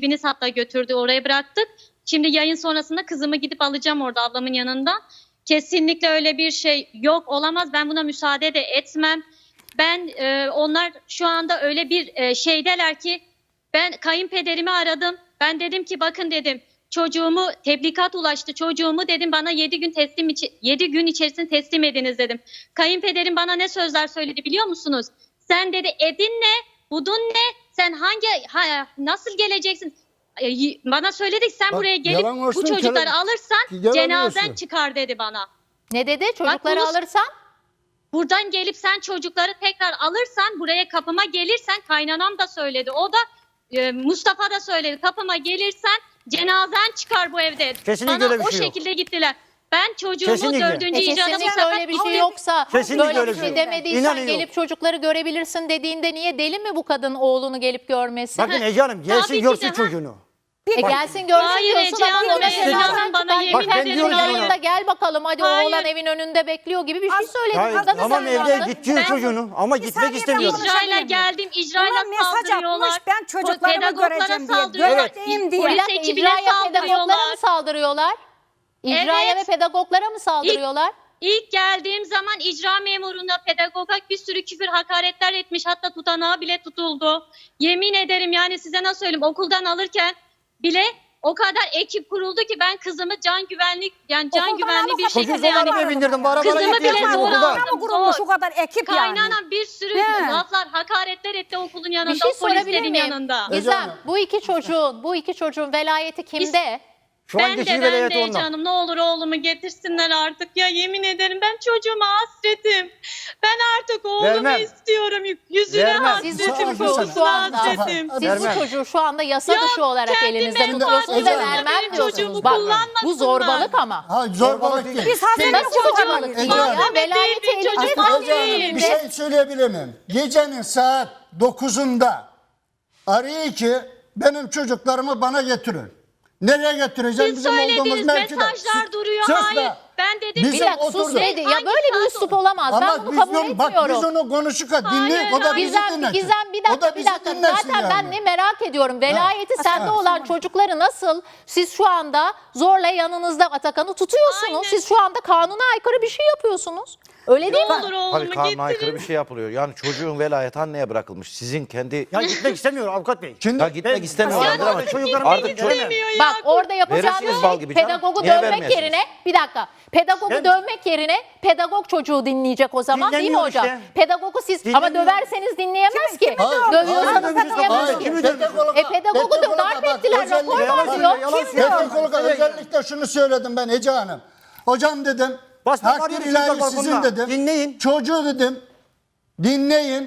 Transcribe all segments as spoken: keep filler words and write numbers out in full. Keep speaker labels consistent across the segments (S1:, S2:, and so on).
S1: ekibiniz hatta götürdü, oraya bıraktık. Şimdi yayın sonrasında kızımı gidip alacağım orada ablamın yanından. Kesinlikle öyle bir şey yok, olamaz. Ben buna müsaade de etmem. Ben e, onlar şu anda öyle bir e, şeydeler ki ben kayınpederimi aradım. Ben dedim ki bakın dedim çocuğumu tebligat ulaştı. Çocuğumu dedim bana yedi gün teslim yedi gün içerisinde teslim ediniz dedim. Kayınpederim bana ne sözler söyledi biliyor musunuz? Sen dedi edin ne? Budun ne? Sen hangi ha, nasıl geleceksin? Bana söyledik sen
S2: Bak,
S1: buraya gelip
S2: olsun,
S1: bu çocukları
S2: yalan,
S1: alırsan cenazen çıkar dedi bana.
S3: Ne dedi? Çocukları
S1: bunu,
S3: alırsan?
S1: Buradan gelip sen çocukları tekrar alırsan buraya kapıma gelirsen kaynanam da söyledi. O da e, Mustafa da söyledi. Kapıma gelirsen cenazen çıkar bu evde.
S2: Kesinlikle
S1: bana
S2: öyle bir
S1: o
S2: şey yok.
S1: şekilde gittiler. Ben çocuğumu
S2: Kesinlikle.
S1: dördüncü
S3: E
S1: icada bu
S3: kesinlikle
S1: sefer
S3: öyle bir şey yoksa,
S2: Kesinlikle
S3: böyle
S2: öyle
S3: bir
S2: bir
S3: şey
S2: şey.
S3: demediysen
S2: İnanın
S3: gelip
S2: yok.
S3: çocukları görebilirsin dediğinde niye deli mi bu kadın oğlunu gelip görmesi?
S2: Bakın Ece Hanım gelsin
S1: Tabii ki
S2: görsün
S1: de, ha.
S2: çocuğunu.
S3: E
S2: Bak-
S3: gelsin görsün
S1: Hayır
S3: diyorsun
S1: Ece
S3: ama
S1: Hanım,
S3: ona
S1: Ece
S3: cenazen
S1: Hanım bana
S3: çıkar.
S1: yemin
S2: Bak ben
S1: ederim.
S2: diyorum
S3: Yayında
S2: sana.
S3: gel bakalım hadi
S1: Hayır.
S3: oğlan evin önünde bekliyor gibi bir şey söyledi.
S2: Hayır,
S3: Kadını
S2: tamam
S3: sen
S2: evde
S3: yaptın.
S2: git diyor
S1: Ben-
S2: çocuğunu ama gitmek
S4: saniye
S2: istemiyorum.
S4: ben
S1: İcrayla
S4: konuşabilir miyim?
S1: geldim. İcrayla
S4: Buna mesaj
S1: saldırıyorlar.
S4: atmış, ben çocuklarımı
S1: Pedagoglara
S4: göreceğim diye,
S1: saldırıyorlar.
S4: göreceğim diye.
S3: Bir
S1: Polis
S3: dakika,
S1: ekibine
S3: icraya pedagoglara
S1: saldırıyorlar.
S3: mı saldırıyorlar? İcraya
S1: Evet.
S3: ve pedagoglara mı saldırıyorlar?
S1: İlk geldiğim zaman icra memuruna, pedagoga bir sürü küfür, hakaretler etmiş. Hatta tutanağı bile tutuldu. Yemin ederim yani size nasıl söyleyeyim, okuldan alırken bile o kadar ekip kuruldu ki ben kızımı can güvenlik yani can
S4: Okuldan
S1: güvenli bir
S4: alıp
S1: şekilde
S2: Çocuk
S1: yani
S2: zorla bindirdim bu arabalara
S1: Kızımı
S2: gitti
S1: bile
S2: çocuk
S1: zorla
S2: okulda.
S1: aldım.
S4: Ama kurulmuş o kadar ekip yani.
S1: Kaynanam bir sürü
S4: He.
S1: laflar, hakaretler etti okulun yanında,
S3: Bir şey
S1: o
S3: sorabilir
S1: polislerin
S3: miyim?
S1: yanında.
S2: Ece
S3: Gizem,
S2: Hanım.
S3: bu iki çocuğun, bu iki çocuğun velayeti kimde?
S2: Şu an
S1: Ben de
S2: geçici
S1: ben
S2: velayeti
S1: de
S2: ondan.
S1: canım ne olur oğlumu getirsinler artık ya, yemin ederim ben çocuğuma hasretim. Ben artık oğlumu
S2: Vermem.
S1: istiyorum, yüzüne
S2: Vermem.
S3: Siz bu
S1: hasretim,
S3: çocuğu
S1: kokusuna
S3: şu anda,
S1: hasretim.
S3: siz bu
S2: Vermem.
S3: çocuğu şu anda yasa
S1: Ya
S3: dışı olarak
S1: kendi
S3: elinizde
S1: menfaatlerine
S3: tutuyorsunuz ve
S2: Ece Hanım.
S3: vermem
S1: benim
S3: diyorsunuz.
S1: çocuğumu
S3: Bak, bu
S1: kullanmasınlar.
S3: zorbalık ama.
S2: Ha zorbalık değil.
S4: Biz hazırlık
S3: Nasıl
S4: kurtarmadık.
S3: zorbalık
S2: Ece
S3: değil
S2: Hanım.
S3: ya? Velayeti
S1: Değil,
S3: elinizde
S1: çocuk
S3: tutuyorsunuz.
S1: değil.
S2: Ece Hanım bir şey söyleyebilir miyim? Gecenin saat dokuzunda arıyor ki benim çocuklarımı bana getirin. Nereye getireceğim?
S1: Siz
S2: Bizim olduğumuz
S1: söylediğiniz
S2: mevkide.
S1: mesajlar duruyor.
S2: Sus
S1: Hayır.
S2: be.
S1: Ben dedim
S2: Biz
S3: Bir
S1: ki
S3: dakika sus
S2: oturduk.
S3: dedi. Ya
S1: Hangi
S3: böyle bir
S1: saat
S3: üslup
S1: o?
S3: olamaz. Ben
S2: Ama
S3: bunu
S2: biz
S3: kabul
S2: onu, bak
S3: etmiyorum.
S2: biz onu konuşurken dinleyin. O da
S1: Hayır,
S2: bizi
S3: Gizem,
S2: dinlesin.
S3: Gizem bir
S2: O
S3: dakika
S2: da
S3: bir
S2: bizi
S3: dakika.
S2: dinlesin
S3: Zaten ben
S2: yani.
S3: ne merak ediyorum. Velayeti
S2: Ha.
S3: sende
S2: Ha.
S3: olan çocukları nasıl siz şu anda zorla yanınızda Atakan'ı tutuyorsunuz.
S1: Aynen.
S3: Siz şu anda kanuna aykırı bir şey yapıyorsunuz. Öyle değil
S1: Ne
S3: mi?
S1: olur
S5: Hayır,
S1: oğlumu
S5: kanuna aykırı
S1: getirin.
S5: bir şey yapılıyor. Yani çocuğun velayeti anneye bırakılmış. Sizin kendi...
S2: Ya gitmek istemiyor avukat bey. Şimdi
S5: Ya gitmek istemiyor,
S2: Ya
S5: anladım ama
S2: çocuklarım
S5: artık
S2: artık
S5: çocuk-
S1: İstemiyor ya.
S3: Bak orada yapacağınız
S5: Verirsiniz bal
S3: şey
S5: gibi canım.
S3: pedagogu
S5: Niye
S3: dövmek
S5: vermiyorsunuz?
S3: yerine bir dakika pedagogu
S2: Ben-
S3: dövmek yerine pedagog çocuğu dinleyecek o zaman değil mi
S2: Dinlemiyor
S3: hocam?
S2: işte.
S3: Pedagogu siz ama
S2: Dinlemiyor.
S3: döverseniz dinleyemez ki.
S2: Hayır,
S3: Dövüyorsanız
S2: hayır,
S3: dinleyemez
S2: hayır,
S3: ki.
S2: kimi dövüyorsun?
S3: E pedagogu da darp ettiler rapor var diyor.
S2: Pedagog'a özellikle şunu söyledim ben Ece Hanım. Hocam dedim,
S6: Basma
S2: takdir
S6: kardeşim,
S2: ilahi
S6: çocuklar
S2: sizin
S6: bunlar.
S2: dedim.
S6: Dinleyin.
S2: Çocuğu dedim, dinleyin.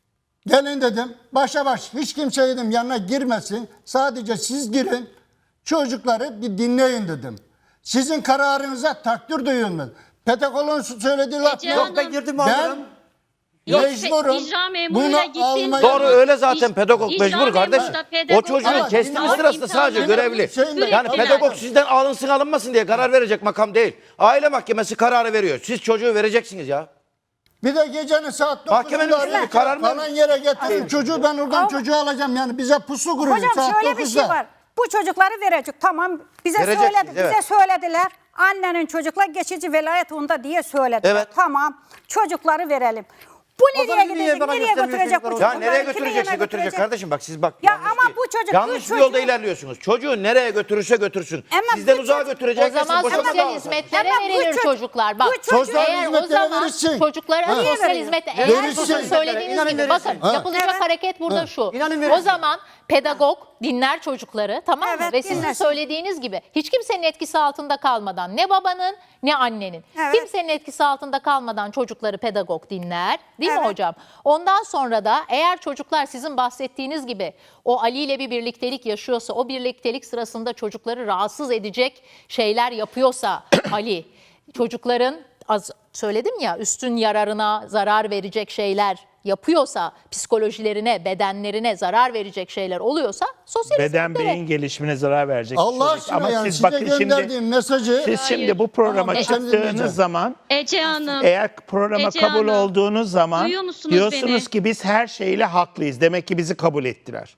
S2: Gelin dedim, başa baş hiç kimse dedim yanına girmesin. Sadece siz girin, çocukları bir dinleyin dedim. Sizin kararınıza takdir duyuyorum ben. Pedagog'un söylediği laf
S1: Ece
S2: yok.
S1: Hanım.
S6: Ben girdim
S2: Ben
S6: alırım.
S2: mecburum
S1: İcra memuruyla
S2: bunu
S1: gittiğim
S2: almaya...
S1: zaman-
S5: Doğru öyle zaten
S1: İc-
S5: pedagog
S1: icra
S5: mecbur
S1: memuru
S5: kardeşim.
S1: da
S5: O
S1: pedagog-
S5: çocuğun
S2: Ama
S5: teslim
S2: dinle-
S5: sırasında sadece
S1: imkanları
S5: görevli.
S2: Şeyim ben-
S5: Yani
S1: Sürekli-
S5: pedagog sizden alınsın alınmasın diye karar verecek makam değil. Aile mahkemesi kararı veriyor. Siz çocuğu vereceksiniz ya.
S2: Bir de gecenin saat
S5: Mahkemenin
S2: dokuzunda
S5: üstünde
S2: arıyor.
S5: karar mı?
S2: Falan yere getirin çocuğu, ben oradan
S4: Ama-
S2: çocuğu alacağım yani bize pusu kuruyor
S4: Hocam
S2: saat
S4: şöyle bir
S2: dokuzda.
S4: şey var. Bu çocukları verecek. Tamam bize
S5: Vereceksiniz,
S4: söyledi, bize
S5: evet.
S4: söylediler. Annenin çocukla geçici velayet onda diye söylediler.
S5: Evet.
S4: Tamam. Çocukları verelim. Bu nereye
S6: zaman niye
S4: gidecek?
S6: bana
S4: Nereye
S6: göstermiyor
S4: götürecek bu
S6: çocuklar?
S5: Ya
S4: çocukları?
S5: nereye
S4: Kimin
S5: götürecekse
S4: yanına
S5: götürecek kardeşim bak siz bak.
S4: Ya
S5: yanlış
S4: ama
S5: bir-
S4: bu çocuk-
S5: yanlış
S4: bu
S5: bir yolda
S4: çocuğu-
S5: ilerliyorsunuz. Çocuğu nereye götürürse götürsün.
S4: Ama
S5: Sizden
S4: bu
S5: uzağa
S4: çocuk-
S5: götürecek.
S3: O zaman
S5: boşanma
S3: sosyal
S5: davası.
S3: hizmetlere
S4: Ama bu
S3: verilir
S4: çocuk-
S3: çocuklar. Bak
S4: bu çocuk-
S2: Sosyal
S3: eğer o
S2: hizmetlere
S3: zaman
S2: verirsin.
S3: çocuklara
S2: Ha.
S3: sosyal
S4: Niye
S3: hizmet
S4: veriyor?
S3: eğer
S2: Verirsin.
S3: sizin söylediğiniz
S6: İnanın
S3: gibi
S6: verirsin.
S3: bakın
S2: Ha.
S3: yapılacak
S4: Evet.
S3: hareket burada
S2: Ha.
S3: şu.
S6: İnanın
S3: O
S6: verirsin.
S3: zaman pedagog dinler çocukları tamam mı?
S4: Evet,
S3: Ve sizin
S4: dinlersin.
S3: söylediğiniz gibi hiç kimsenin etkisi altında kalmadan ne babanın ne annenin
S4: Evet.
S3: kimsenin etkisi altında kalmadan çocukları pedagog dinler değil mi
S4: Evet.
S3: hocam? Ondan sonra da eğer çocuklar sizin bahsettiğiniz gibi o Ali ile bir birliktelik yaşıyorsa o birliktelik sırasında çocukları rahatsız edecek şeyler yapıyorsa Ali çocukların az söyledim ya üstün yararına zarar verecek şeyler yapıyorsa, psikolojilerine, bedenlerine zarar verecek şeyler oluyorsa sosyal
S7: Beden
S3: hizmetlere-
S7: beyin gelişimine zarar verecek.
S2: Allah
S7: bir çocuk.
S2: aşkına yani
S7: siz
S2: size
S7: bakın şimdi
S2: gönderdiğim mesajı
S7: siz
S1: Hayır.
S7: şimdi bu programa
S2: Tamam, ben dinleyeceğim.
S7: çıktığınız zaman
S1: Ece Hanım.
S7: eğer programa
S1: Ece
S7: kabul
S1: Hanım,
S7: olduğunuz zaman
S1: duyuyor musunuz
S7: diyorsunuz
S1: beni?
S7: ki biz her şeyle haklıyız. Demek ki bizi kabul ettiler.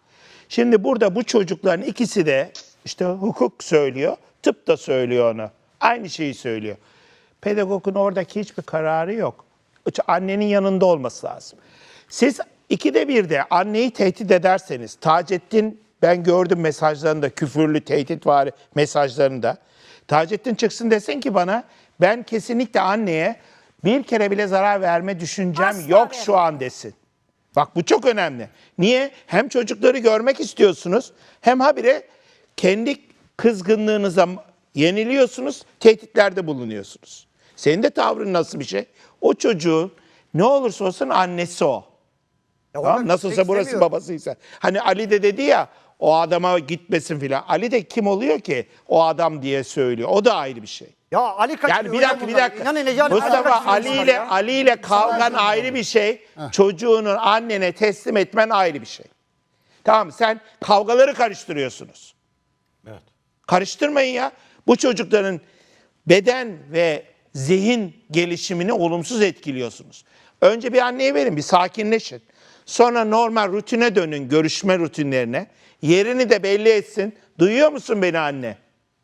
S7: Şimdi burada bu çocukların ikisi de işte hukuk söylüyor, tıp da söylüyor onu. Aynı şeyi söylüyor. Pedagogun oradaki hiçbir kararı yok. Annenin yanında olması lazım. Siz ikide bir de anneyi tehdit ederseniz, Taceddin ben gördüm mesajlarında, küfürlü, tehditvari mesajlarında. Taceddin çıksın desin ki bana, ben kesinlikle anneye bir kere bile zarar verme düşüncem
S4: Asla
S7: yok
S4: vermem.
S7: şu an desin. Bak bu çok önemli. Niye? Hem çocukları görmek istiyorsunuz, hem habire kendi kızgınlığınıza yeniliyorsunuz, tehditlerde bulunuyorsunuz. Senin de tavrın nasıl bir şey? O çocuğun ne olursa olsun annesi o. Tamam, nasılsa burası babasıysa. Hani Ali de dedi ya, o adama gitmesin filan. Ali de kim oluyor ki o adam diye söylüyor. O da ayrı bir şey.
S6: Ya Ali kaçırıyor.
S7: Yani bir dakika bir dakika.
S6: İnanın Ece Hanım,
S7: Mustafa
S6: kaçırıyor
S7: Ali
S6: bunlar
S7: ile
S6: ya.
S7: Ali ile kavgan ayrı bir şey. Çocuğunun annene teslim etmen ayrı bir şey. Tamam, sen kavgaları karıştırıyorsunuz.
S5: Evet.
S7: Karıştırmayın ya. Bu çocukların beden ve zihin gelişimini olumsuz etkiliyorsunuz. Önce bir anneye verin, bir sakinleşin. Sonra normal rutine dönün, görüşme rutinlerine. Yerini de belli etsin. Duyuyor musun beni anne?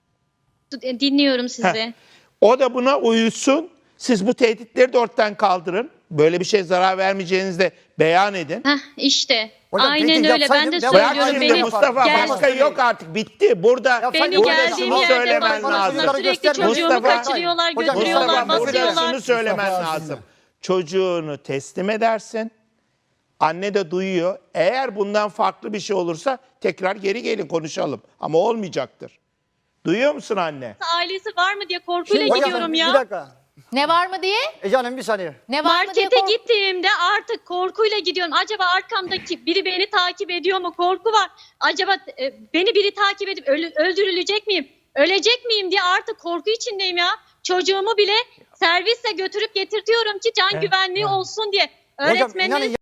S1: Dinliyorum sizi.
S7: Heh. O da buna uyusun. Siz bu tehditleri de ortadan kaldırın. Böyle bir şey zarar vermeyeceğinizi de beyan edin.
S1: Heh, işte.
S6: Hocam,
S1: Aynen
S6: tehdit
S1: öyle. Ben de
S6: yapsaydım-
S7: Bırak
S1: söylüyorum.
S7: şimdi
S1: Beni
S7: Mustafa,
S1: gel-
S7: başka yok artık, bitti. Burada,
S1: Beni
S7: burada
S1: geldiğim
S7: şunu
S1: yerde
S7: söylemen
S1: basmasınlar.
S7: lazım.
S1: Sürekli çocuğumu
S7: Mustafa-
S1: kaçırıyorlar,
S6: Hocam,
S1: götürüyorlar,
S7: Mustafa, burada
S1: basıyorlar.
S7: şunu söylemen
S2: Mustafa
S7: lazım.
S2: Azize.
S7: Çocuğunu teslim edersin. Anne de duyuyor. Eğer bundan farklı bir şey olursa tekrar geri gelin konuşalım. Ama olmayacaktır. Duyuyor musun anne?
S1: Ailesi var mı diye korkuyla
S6: Hocam,
S1: gidiyorum
S6: Bir
S1: ya.
S6: dakika.
S3: Ne var mı diye?
S6: Ece Hanım bir saniye.
S3: Ne var mı diye
S1: Markete
S3: kork-
S1: gittiğimde artık korkuyla gidiyorum. Acaba arkamdaki biri beni takip ediyor mu? Korku var. Acaba e, beni biri takip edip ölü- öldürülecek miyim? Ölecek miyim diye artık korku içindeyim ya. Çocuğumu bile servisle götürüp getirtiyorum ki can güvenliği olsun diye.
S6: Hocam
S1: Öğretmeniniz
S6: inanın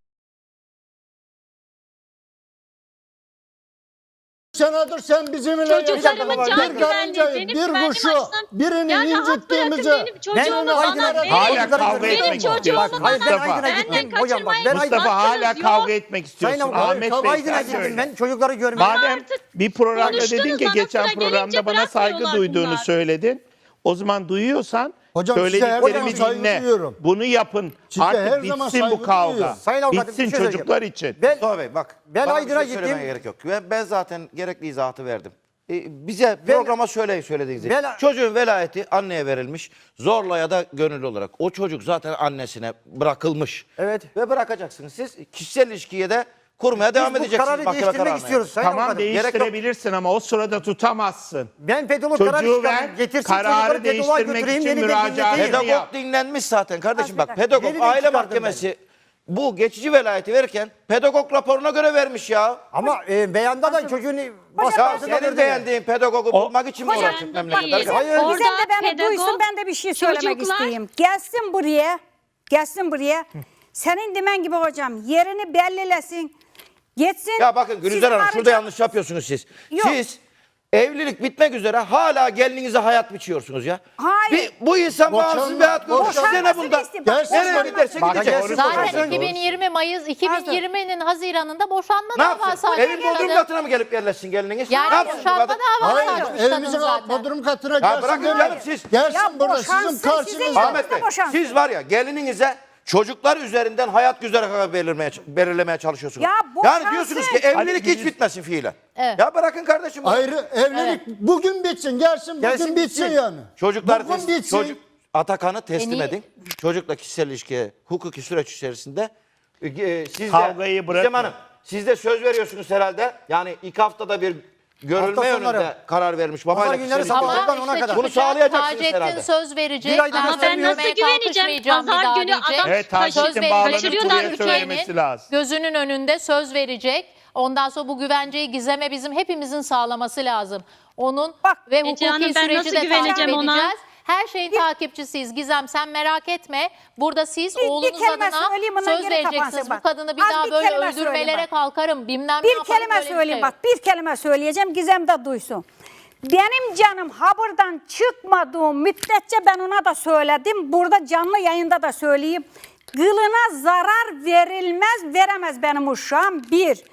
S2: Senedir sen bizimle
S1: Çocuklarımın
S2: yaşadın.
S1: can
S2: bir
S1: güvenliği,
S2: karıncayı,
S1: benim
S2: bir
S1: güvenliğim
S2: kuşu,
S1: açısından-
S2: birini
S1: Yani hak
S2: incittiğimizi
S1: bırakın benim çocuğumu
S2: ben-
S1: bana
S2: Hala
S1: verin.
S7: Hala kavga
S1: Benim
S7: etmek
S1: çocuğumu
S7: istiyorsun.
S1: bana
S6: Hayır, ben
S7: Mustafa.
S6: Aydın'a
S1: benden
S6: gittim hocam bak. Ben
S1: kaçırmayın.
S6: Aydın'a
S7: Mustafa hala
S1: Hakkınız
S7: kavga
S1: yok.
S7: etmek istiyorsun.
S6: Sayın
S7: Ahmet
S6: Avukat,
S7: Bey
S6: Aydın'a
S7: sen
S6: gittim
S7: söyle.
S6: ben çocukları görmeye.
S7: Madem
S1: artık
S7: bir programda
S1: konuştunuz,
S7: dedin ki
S1: bana
S7: geçen
S1: sıra gelince
S7: programda bana saygı
S1: bırakmıyorlar
S7: duyduğunu
S1: bunlar.
S7: söyledin. O zaman duyuyorsan
S2: Hocam, size her zaman
S7: söylediklerimi
S2: saygı
S7: dinle.
S2: duyuyorum.
S7: Bunu yapın.
S2: Size her
S7: Artık
S2: zaman
S7: bitsin
S2: saygı
S7: bu kavga.
S2: duyuyorum.
S6: Sayın Avukatım, bir
S7: Bitsin
S6: şey
S7: çocuklar için.
S6: Ben,
S5: Mustafa Bey bak.
S6: Ben
S5: bana
S6: Aydın'a
S5: bir şey söylemeye
S6: gittim.
S5: gerek yok. Ben, ben zaten gerekli izahatı verdim. E, bize programa şöyle söylediğiniz gibi.
S6: Ben-
S5: Çocuğun velayeti anneye verilmiş. Zorla ya da gönüllü olarak. O çocuk zaten annesine bırakılmış.
S6: Evet.
S5: Ve bırakacaksınız. Siz kişisel ilişkiye de kurmaya devam
S6: bu
S5: edeceksiniz.
S6: kararı
S5: mahkeme
S6: değiştirmek
S5: kararına.
S6: istiyoruz. Sayın
S7: Tamam,
S6: Avukatım.
S7: değiştirebilirsin ama o sırada tutamazsın.
S6: Ben pedolog kararı
S7: Çocuğu
S6: çıkardım.
S7: ver,
S6: Getirsin
S7: kararı
S6: çocukları pedoloğa
S7: değiştirmek
S6: götüreyim,
S7: için
S6: yeniden
S7: müracaat
S6: dinleteyim.
S7: edin.
S5: Pedagog
S7: yap.
S5: dinlenmiş zaten kardeşim. Bak
S6: Yeniden
S5: pedagog aile
S6: çıkardım
S5: mahkemesi bu geçici velayeti verirken pedagog raporuna göre vermiş ya.
S6: Ama e, beyanda da çocuğun
S5: Ya
S6: başkasına
S5: senin
S6: verdi.
S5: beğendiğin pedagogu bulmak için mi
S4: Hocam,
S5: uğraştık memlekette?
S1: değil.
S6: Hayır.
S1: Orada
S4: Gizem de beni
S1: pedagog,
S4: duysun, ben de bir şey söylemek
S1: çocuklar-
S4: isteyeyim. Gelsin buraya, gelsin buraya. Senin demen gibi hocam yerini bellilesin. Geçsin.
S5: Ya bakın Gülüzer
S4: Siz
S5: Hanım şurada
S4: ayrıca-
S5: yanlış yapıyorsunuz siz.
S4: Yok.
S5: Siz evlilik bitmek üzere hala gelininize hayat biçiyorsunuz ya.
S4: Hayır.
S5: Bir, bu insan
S2: Boşanma-
S5: bağımsız bir hayat kurmuş. Size ne
S4: Boşanmasını
S5: bunda?
S4: isteyeyim.
S2: Gelsin
S5: Nereye
S2: bak-
S5: giderse
S7: Bak,
S5: gidecek.
S7: doğru
S3: Zaten
S7: söylüyorsun.
S3: iki bin yirmi Mayıs iki bin yirminin Haziran'ında boşanma
S5: Ne
S3: davası
S5: yapsın?
S3: açmış
S5: Evin bodrum
S3: kadın.
S5: katına mı gelip yerleşsin gelininiz?
S3: Yani
S5: ne yapsın bu
S3: boşanma
S5: kadın?
S3: davası
S2: Hayır,
S3: açmış kadın
S2: evimizin
S3: zaten.
S2: bodrum katına
S5: Ya
S2: gelsin.
S5: bırakın
S2: demeyin.
S5: canım siz.
S2: Gelsin
S4: Ya
S2: burada
S4: boşansın,
S2: sizin
S4: sizin
S2: karşınızda.
S5: Ahmet Bey
S4: boşansın.
S5: siz var ya gelininize çocuklar üzerinden hayat güzergahı belirlemeye, belirlemeye çalışıyorsunuz.
S4: Ya
S5: yani
S4: boşansın.
S5: diyorsunuz ki evlilik hiç bitmesin fiilen.
S3: Evet.
S5: Ya bırakın kardeşim. bunu.
S2: Ayrı evlilik bugün bitsin, gelsin bugün
S6: Gelsin,
S2: bitsin
S6: bitsin.
S2: yani.
S5: Çocuklar
S2: bugün
S5: tes-
S2: bitsin.
S5: çocuk Atakan'ı teslim
S3: En iyi-
S5: edin. Çocukla kişisel ilişkiye, hukuki süreç içerisinde e, e, siz
S7: Kavgayı
S5: de,
S7: bırakın.
S5: Gizem Hanım, siz de söz veriyorsunuz herhalde. Yani ilk haftada bir görülme
S6: Hafta sonları.
S5: yönünde karar vermiş babayla
S6: Pazar
S5: kişisel
S6: günleri
S5: ilişki.
S6: sabah.
S3: Ama
S6: Oradan ona
S3: işte
S6: kadar.
S5: Bunu
S3: çıkacak,
S5: sağlayacaksınız
S3: Taceddin
S5: herhalde.
S3: söz verecek.
S6: Bir ayda
S3: Ben
S1: Ama ben
S3: görmeye
S1: nasıl güveneceğim?
S3: kalkışmayacağım bir
S1: Pazar
S3: daha
S1: günü
S3: diyecek.
S1: adam
S7: Evet,
S1: kaç-
S7: Taceddin
S3: Söz
S7: bağlanıp
S1: kaçırıyorlar
S7: buraya
S1: ülkeyi.
S7: söylemesi lazım.
S3: Gözünün önünde söz verecek. Ondan sonra bu güvenceyi Gizem'e bizim hepimizin sağlaması lazım. Onun
S4: Bak,
S3: ve
S1: Ece
S3: hukuki
S1: Hanım, ben
S3: süreci
S1: nasıl
S3: de takip
S1: güveneceğim ona?
S3: edeceğiz. Her şeyin takipçisiyiz Gizem, sen merak etme. Burada siz
S4: Bir- bir
S3: oğlunuz
S4: kelime
S3: adına
S4: söyleyeyim, bundan
S3: söz
S4: geri
S3: vereceksiniz.
S4: kapansın
S3: Bu
S4: bak.
S3: kadını bir
S4: Az
S3: daha
S4: bir
S3: böyle
S4: kelime söyleyeyim
S3: öldürmelere
S4: bak.
S3: kalkarım. Bilmem ne
S4: Bir
S3: yaparım,
S4: kelime
S3: böyle bir
S4: söyleyeyim
S3: şey
S4: bak.
S3: yok.
S4: Bir kelime söyleyeceğim. Gizem de duysun. Benim canım haberden çıkmadığım müddetçe ben ona da söyledim. Burada canlı yayında da söyleyeyim. Kılına zarar verilmez, veremez benim uşağım. Bir.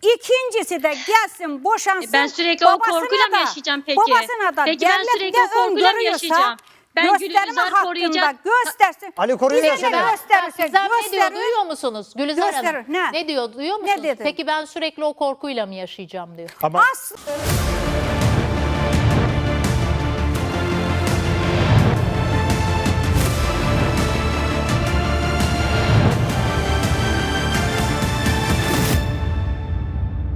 S4: İkincisi de gelsin boşansın.
S1: E ben sürekli o
S4: babasına
S1: korkuyla mı
S4: da-
S1: yaşayacağım peki?
S4: Babasına da
S1: Peki ben
S4: devlet
S1: sürekli
S4: ne
S1: o korkuyla mı
S4: öngörüyorsa
S1: yaşayacağım? Ben
S4: gösterme
S1: Gülizar
S4: hakkında
S1: koruyacak-
S4: göstersin.
S6: Ali koruyor
S4: Bize
S6: ya
S4: de
S6: seni.
S3: Ben,
S4: gösterirse
S3: Gizem ne diyor
S4: gösterir.
S3: duyuyor musunuz? Gülizar Hanım.
S4: Gösterir, ne?
S3: Ne diyor duyuyor musunuz?
S4: dedi?
S3: Peki ben sürekli o korkuyla mı yaşayacağım diyor.
S7: Ama
S4: Aslı.